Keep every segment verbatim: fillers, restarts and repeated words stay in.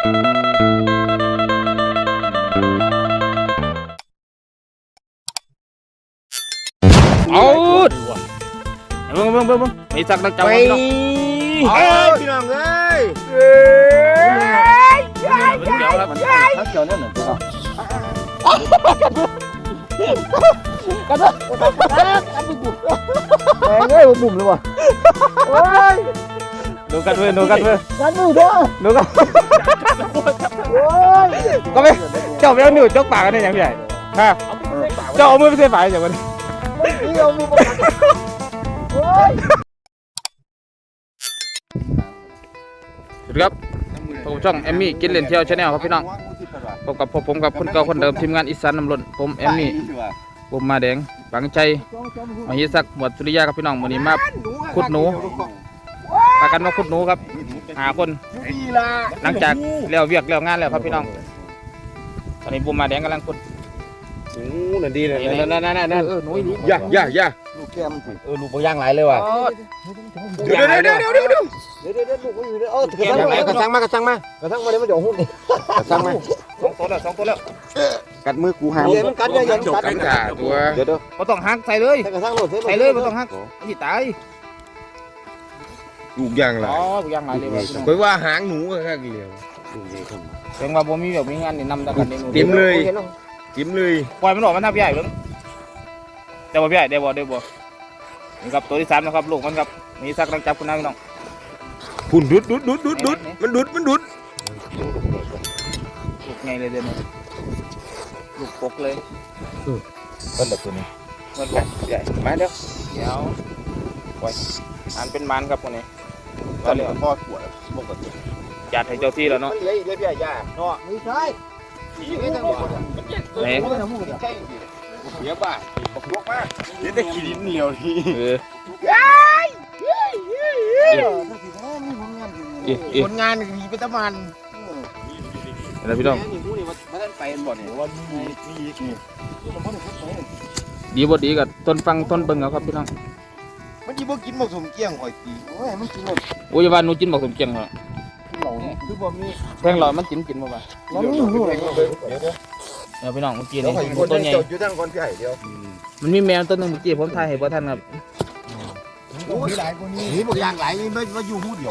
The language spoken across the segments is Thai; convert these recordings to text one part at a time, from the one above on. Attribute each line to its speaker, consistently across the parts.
Speaker 1: เอาเบิ่งเบิ่งเบิ่งเบิ่งมีสักนักจับไปพี่น้องพี่น้องเอ้ยเอ้ยเจ้าครับถ้าเจ้าเนี่ยเหมือนกันกันเถอะกันไปบุกแม่งเอ้ยบุ่มเลยวะโอ้ยดูกันเว้ยดูกันเว้ยกันมือเด้อดูกันโอ้ยก็ไม่เจ้าไม่เอาหนูจกปากกันได้ยังไงฮะเจ้าเอามือไปเสียบปากอย่างมันนี่เอามือไปโอ้ยสวัสดีครับผมช่องแอมมี่กินเล่นเที่ยวชาแนลครับพี่น้องพบกับผมกับคนเก่าคนเดิมทีมงานอีสานน้ำล้นผมแอมมี่ผมมาแดงบังใจมาฮิซักหมวดสุริยาครับพี่น้องวันนี้มาขุดหนูพากันมาขุดหนูครับหาคนหลังจากเลี้ยวเวียกเลี้ยวงานแล้วครับพี่น้องตอนนี้ผมมาแดงกำลังขุด
Speaker 2: หนูนั่นดีเลยนั่นนั่นนั่นนั่น
Speaker 1: เออหนูดี
Speaker 2: ย่าย่าย่า
Speaker 3: ลูกแก้ม
Speaker 2: เออลูกบางไหลเลยว่ะ
Speaker 3: เดี๋ยวเดี๋ยวเดี๋ยวเดี๋ยวเดี๋ยวเดี๋ยวเดี๋ยวเดี๋ยวลูกอยู่เดี๋ยวเออกระ
Speaker 2: ชังกระชังมากระชังมาก
Speaker 3: ระทั่งมาเดี๋ยวมันเดี๋ยวหุ้น
Speaker 2: กระชังมา
Speaker 1: สองตัวแล้วสองตัวแล้ว
Speaker 3: กัดมือกูหามมันกัดยังยังกัด
Speaker 2: ตัว
Speaker 3: เดี๋ยวเดี๋ยว
Speaker 1: ไม่ต้องหักใส่เลย
Speaker 3: กระทั่งโหลด
Speaker 1: ใส่เลยไม่ต้องหักที่ตาย
Speaker 2: ลูกยางไร
Speaker 1: อ๋อลูกยางไรเลยว่ะ
Speaker 2: เคยว่าหางหนูก็แค่เดียว
Speaker 1: แสดงว่าบ่มีแบบมีงานนี่นำตะกันนี่
Speaker 2: จิ้มเลยจิ้มเลย
Speaker 1: ปล่อยมันออกมันทำใหญ่เพิ่งเดี๋ยวบ่ใหญ่เดี๋ยวบ่เดี๋ยวบ่นี่ครับตัวที่สามนะครับลูกมันครับมีสักรังจับคุณน้าพี่น้อง
Speaker 2: พุ่นดุดดุดดุดดุดดุดมันดุดมันดุด
Speaker 1: ลูกไงเลยเดี๋ยวนี้ลูกปกเลย
Speaker 2: ต้นแบบตัวนี้
Speaker 1: มันใหญ่มาเดี๋ยวเดี๋ยวปล่อยอันเป็นมันครับคนนี้
Speaker 2: ตอนนี้พ่อขวดปกติ
Speaker 1: จัดให้เจ้าที่แล้วเนาะ
Speaker 3: เลี้ยเลี้ยพี่ใหญ่เนาะไม่ใช่
Speaker 1: ไหน
Speaker 2: เลี้ยบ้าปกลกมากเลี้ยแต่ขี้ดินเหลียวที
Speaker 1: เออ
Speaker 3: ผลงานมีเป็นตะมัน
Speaker 1: แล้วพี่น้องดีบ่ดีกับต้นฟังต้นเบิ่งเอาครับพี่น้อง
Speaker 3: มันจีบ่กินหมกสมเกี้ยงหอยตีโอ้ยมันกินหมด
Speaker 1: โอ้ยว่าหนูกินบอกสมเกียงเหรอ
Speaker 3: คือบ่มี
Speaker 1: แพงหลอดมันกินกินบ่บ่
Speaker 3: มันมีหูอะไรเดี๋ยว
Speaker 1: เดี๋ยวพี่น้องเมื่อกี้นี่ต้นใหญ่
Speaker 3: อยู่ตั้งก่อนพี่ใหญ่เดียว
Speaker 1: มันมีแมวต้นนึงเมื่อกี้ผมถ่ายให้บ่ทันครับ
Speaker 3: มีหลายกว่านี้นี่บ่อย่างหลายนี่ไม่มาอยู่หูเดียว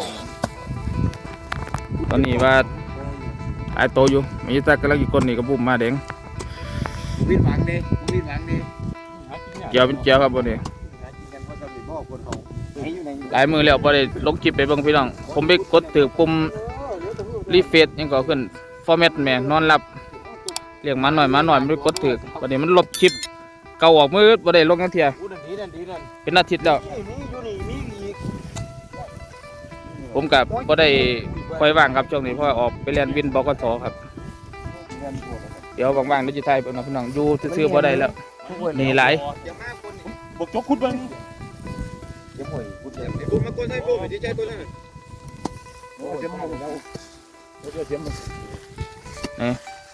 Speaker 1: ตอนนี้ว่าหลายโตอยู่มีแต่กำลังอีกคนนี่ก็บุ่มมาแดง
Speaker 3: วินหวังเด้วินหวังเด้
Speaker 1: เกี่ยวเป็นเกี่ยวครับบ่นี่หลายมือแล้วบ่ได้ลงคลิปไปเบิ่งพี่น้องผมไปกดถือปุ่มรีเฟซยังก็ขึ้นฟอร์แมตแม่นอนหลับเรียกมาหน่อยมาหน่อยไม่ได้กดถือวันนี้มันลบคลิปเก่าออกมือบ่ได้ลงกันเทียเป็นอาทิตย์แล้วผมกับบ่ได้ค่อยว่างครับช่วงนี้เพราะออกไปเรียนวินบกสครับเดี๋ยวว่างๆดิจิทัลเป็นพี่น้องอยู่ซื้อๆบ่ได้แล้วนี่หลาย
Speaker 2: บกจกขุดบ้าง
Speaker 3: เดี๋ยวหอยขุดเลย
Speaker 2: ขุดมาก้นให้โบ้ไปดีใจตัวนั้น
Speaker 3: โอ้เดี๋ยวมันแล้วเดี๋ยวเดี๋ยวมัน
Speaker 1: นี่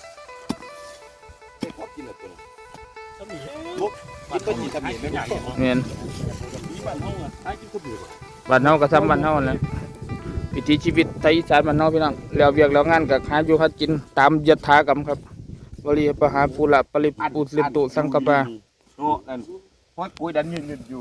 Speaker 2: กินอะไรตัวกินไปกี่ทำเห็นไม่ใหญ่
Speaker 1: เมียน
Speaker 2: บ้านเฮาอ่ะไอ้กินขุดอยู่
Speaker 1: บ้านเฮาก็ซ้ำบ้านเฮาแล้ววิถีชีวิตไทยอีสานบ้านเฮาพี่น้องแล้วเวียกแล้วงานก็หาอยู่หากินตามยถากรรมครับวลีปหาปุระปริปุตลิตุสังกปะ
Speaker 2: โอ้นั่นพอปุ๋ยดันยืนอยู่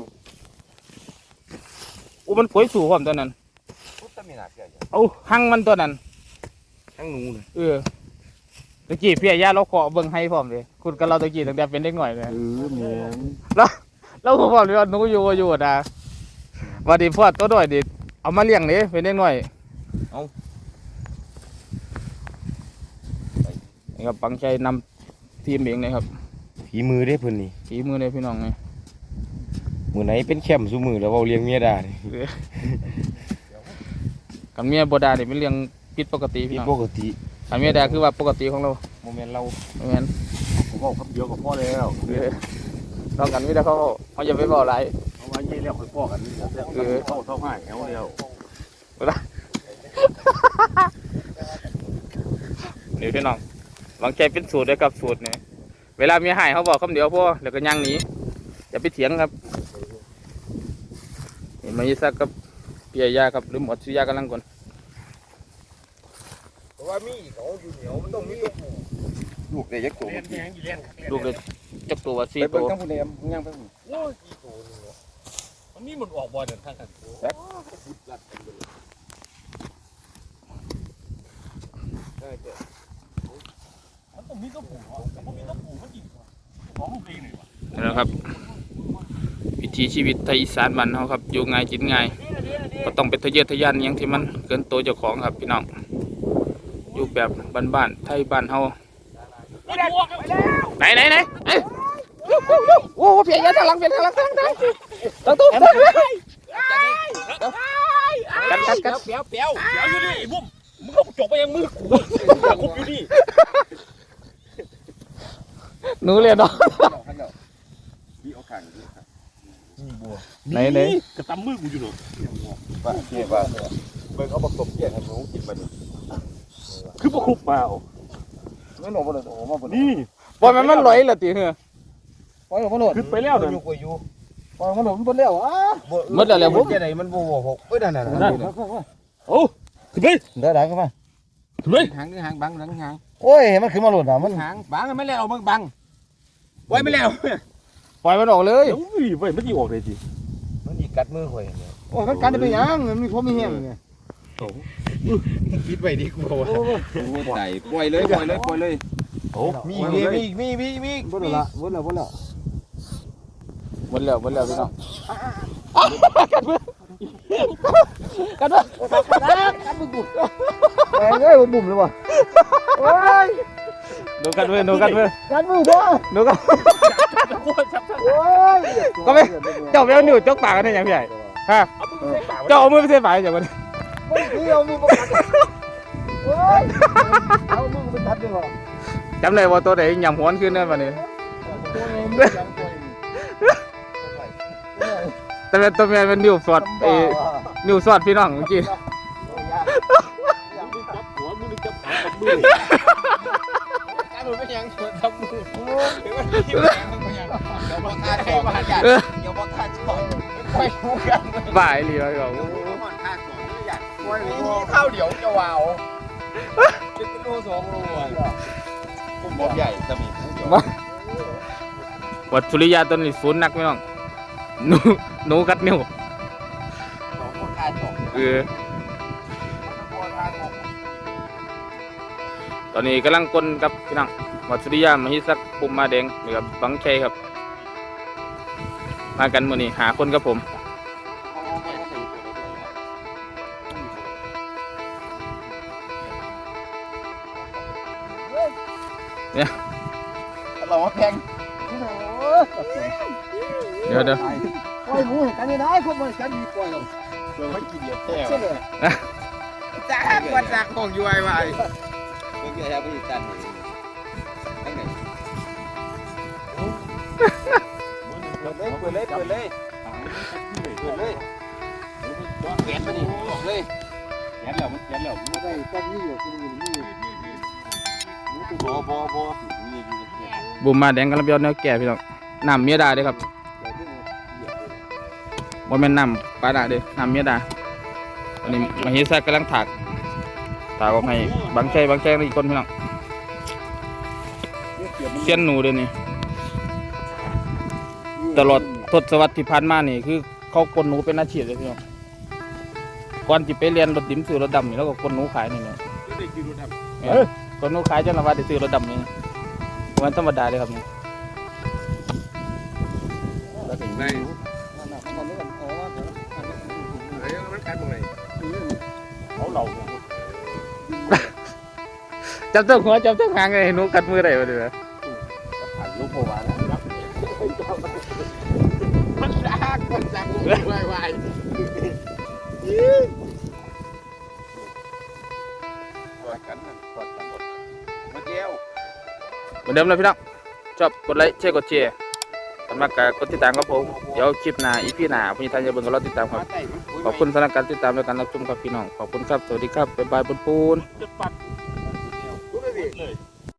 Speaker 1: โอ้มันป่วยสู่ความตัวนั้นเอาหั่งมันตัวนั้น
Speaker 2: หั่งหนูเลย
Speaker 1: เออตะกี้พี่ย่าเราขอเบิ่งให้พร้อมเลยคุณกับเราตะกี้ตั้งแต่เป็นเด็กหน่อยเลย
Speaker 3: เออแม่น
Speaker 1: แล้วเราพร้อมเลยว่าหนูอยู่อยู่นะวันนี้พ่อตัวน้อยดิเอามาเลี้ยงนี่เป็นเด็กหน่อยเอานี่ครับปังใจนำทีมเองนะครับ
Speaker 2: ฝีมือได้เพิ่นนี่
Speaker 1: ฝีมือเลยพี่น้องไง
Speaker 2: มือไหนเป็นแคมสู้มือแล้วเราเลี้ยงเมียได้
Speaker 1: กับเมียบดาเนี่ยเป็นเรื่องผิดปกติพี่น้อง
Speaker 2: ปกติ
Speaker 1: กับเมียดาคือว่าปกติของเรา
Speaker 2: โมเมนต์เรา
Speaker 1: โมเมนต์
Speaker 3: ผมบอกคำเดียวกับพ่อแล้ว
Speaker 1: นอกกันไม่ได้เขาเขาจะไม่บอกอะไร
Speaker 3: เอาไว้ยี่เลี้ยงพ่อกันเออเข้าเท่าง่ายเอาเดียว
Speaker 1: นี่พี่น้องวางใจเป็นสูตรเลยครับสูตรเนี่ยเวลามีหายเขาบอกคำเดียวพ่อเดี๋ยวก็ย่างหนีอย่าไปเถียงครับเห็นไหมซักกับเปียยาครับหรือหมดสุยากำลังก่อน
Speaker 2: ราะว่ามีเขาอยู่เหนียวมันต้องมีตัวผู้ลูกได้ยักษ์ตัว
Speaker 1: ลูกเลยจักตัวสี่
Speaker 2: ไป
Speaker 1: ตั
Speaker 2: เบิ่ง
Speaker 1: ว
Speaker 2: ทั้งผู้ใดย่างไปผู้
Speaker 4: โอ้ยกี่ตัวนี่เนาะมันนี่มันออกบ่อยเดินทางกัน มันต้องมีตัวผู้แต่พอมีตัวผู้มันอีกของลูกเองเลยวะ
Speaker 1: นี่นะครับ วิถีชีวิตไทยอีสานบ้านเฮาครับอยู่ง่ายกินง่ายก็ต้องเป็นทะเยอทะยานอหยังที่มันเกินตัวเจ้าของครับพี่น้องอยู่แบบบ้านๆไทยบ้านเฮาไหนไหนไหนเอ้ยโอ้โหเพียงทางหลังเพียงทางหลังทางหลังทางตู้กันกันกัน
Speaker 4: เปียวเปียวเปียวอยู่นี่ไอ้บุ้มมึงก็จกไปยังมือกูคุบอยู่นี่
Speaker 1: หนูเรียนเนาะ
Speaker 2: มีโอกาสอยู่ครับ
Speaker 4: นี่บัว
Speaker 1: ไหนไหน
Speaker 4: กระตำมือกูอยู่เนาะ
Speaker 2: ว่าเทียบว่าเบิ่งเขาผสมเกี่ยงให้หนูกินมาดิ
Speaker 4: คือบ่คุบมาเอา
Speaker 2: ไม่หนูบ่ได้โอ้มาบ่
Speaker 4: นี่
Speaker 1: บอลมันมันลอยละตีเหรอ
Speaker 3: ปล่อยมันหลุด
Speaker 4: ขึ้นไปแล้วเด้อ
Speaker 2: อยู่ก็อยู่
Speaker 3: ปล่อยมันหลุดมันแล้วอ่ะ
Speaker 1: หมดแล้วแล้วผม
Speaker 2: จะไหนมันบ่บ่หกเอ้ยนั่นน่ะ
Speaker 4: นั่นโอ้ขึ้นไป
Speaker 3: เดี๋ยวได้ขึ้นมา
Speaker 4: ขึ้นไป
Speaker 2: หางหางบังหลังหาง
Speaker 3: โอ้ยมันขึ้นมาหลุดอ่ะมัน
Speaker 2: หางบังไม่แล้วมึงบังไว้ไม่แล้ว
Speaker 1: ปล่อยมันออกเลย
Speaker 4: เดี๋ยวอุ้ยเว้ยมันสิออกได้สิ
Speaker 2: มันอีกัดมือข่อย
Speaker 3: โอ้ยมันกันจะเป็นยังมันมีความมีแห้งไง
Speaker 2: ปิดไว้ดีกว่าใส่ปล่อยเลยปล่อยเลยปล่อยเลย
Speaker 4: โอ้
Speaker 2: มีมีมีมีมีมี
Speaker 3: บ่ได้ละบ่ได้บ่ได้
Speaker 1: หมดแล้วหมดแล้วพี่น้องกันมือกันมือ
Speaker 3: กันบุบแม่เอ้ยบุบเลยว่ะโอ้ย
Speaker 1: ดูกันมือดูกันมือ
Speaker 3: กันบุบว่ะ
Speaker 1: ดูกัน
Speaker 3: โอ้ย
Speaker 1: ก็ไม่เจ้าไปเอาหนูจกปากกันได้ยังพี่ใหญ่ฮะ
Speaker 4: เอามือใส่ปากไว้
Speaker 1: เจ้าเอามือไปเส้นปากอย่างมัน
Speaker 3: ไม่เกี่ยวมีบ่กันโอ้ยเอามือไปทัดดีกว่า
Speaker 1: จำได้ว่าตัวไหนยำหัวนขึ้นนั่นวันนี้
Speaker 3: ตัวนี้มันยังตัวนี้
Speaker 1: แต่เป็นตัวแม่เป็นนิ้วสอดเอนิ้วสอดพี่น้องเมื่อกี้
Speaker 4: มือจับหัวมือจับขากับมือ
Speaker 2: การมันไม่ยังทำมือเดี๋ยวมันยิ้มแย้มมันยังเดี๋ยวมาฆ่าจอดมาจัดเดี๋ยวมาฆ่าจอดไม่พูดกันเลย
Speaker 1: บ่ายเลยเขา
Speaker 2: เดี๋ยวมันฆ่าจอดไม่อยากช่วยนี่ข้าวเดี๋ยวจะวาวจะเป็นโลสองโลอ่ะผมบอกใหญ่จะมีผู้จอด
Speaker 1: วัดสุริยาตัวนี้ศูนย์นักพี่น้องหนูหนูกัดนิ้ว
Speaker 2: สองคนฆ่าจอด
Speaker 1: เออตอนนี้กำลังกลนกับพี่น้องวัดสุริยามหิสักปุ่มมาแดงนี่ครับบังชัยครับ มากันมื้อนี้หาคนกับผมเนี่ย
Speaker 2: เราว่าแพง
Speaker 1: เดี๋ยวเดี๋ยว
Speaker 3: ปล่อยหมูกันนี่ได้คนมันกันดีปล่อยหรอก
Speaker 2: เราไม่กินเยอะแท้
Speaker 3: ใช่เลย
Speaker 2: จ้าวัดจากของยูไอวายเมื่อกี้เราไปตันทั้งไหนเปิดเลยเปิดเลยเปิดเลยเปิดเลยแขนมาดิบอกเลยแขนแล้วมันแขนแล้ว
Speaker 3: ไม่ได้กันนี่อยู่ที่นี่นี่
Speaker 2: บอบอบอ
Speaker 1: บุมมาแดงกำลังเบียวแนวแก่พี่น้องน้ำเมียดาเด้อครับว่าแม่นน้ำปลาดาเด้อน้ำเมียดาอันนี้มหิสักกำลังถากถากออกให้บังชัยบังชัยอีกคนพี่น้องเสี้ยนหนูเด้อนี่ตลอดทศวรรษที่ผ่านมานี่คือเขากลหนูเป็นอาชีพเลยพี่น้องก่อนที่ไปเรียนรถดิมซื้อรถดำนี่แล้วก็กลหนูขายนี่เนาะกลหนูขายจนว่าได้ซื้อรถดำนี่มันธรรมดาเลยครับนี่
Speaker 2: แล้วถึงได้มันกัดตรงไหน
Speaker 4: เขาเหล่า
Speaker 1: จับตัวหัวจับตัวหางเลยหนูกัดมือได้บ่เด้อ
Speaker 2: ผ่านลูกโผล่มาแล้วมันซากมันซากวายวายกอดกันกอดกันมาเจียว
Speaker 1: เหมือนเดิมเลยพี่น้องชอบกดไลค์แชร์กดแชร์สำหรับการกดติดตามครับผมเดี๋ยวคลิปหน้าอีพีหน้าพี่ทานจะเบิ่งกับเราติดตามครับขอบคุณสำหรับการติดตามและการรับชมครับพี่น้องขอบคุณครับสวัสดีครับบ๊ายบายปุนปูน
Speaker 4: จะปัด
Speaker 2: รู้ไหมพี่
Speaker 4: เลย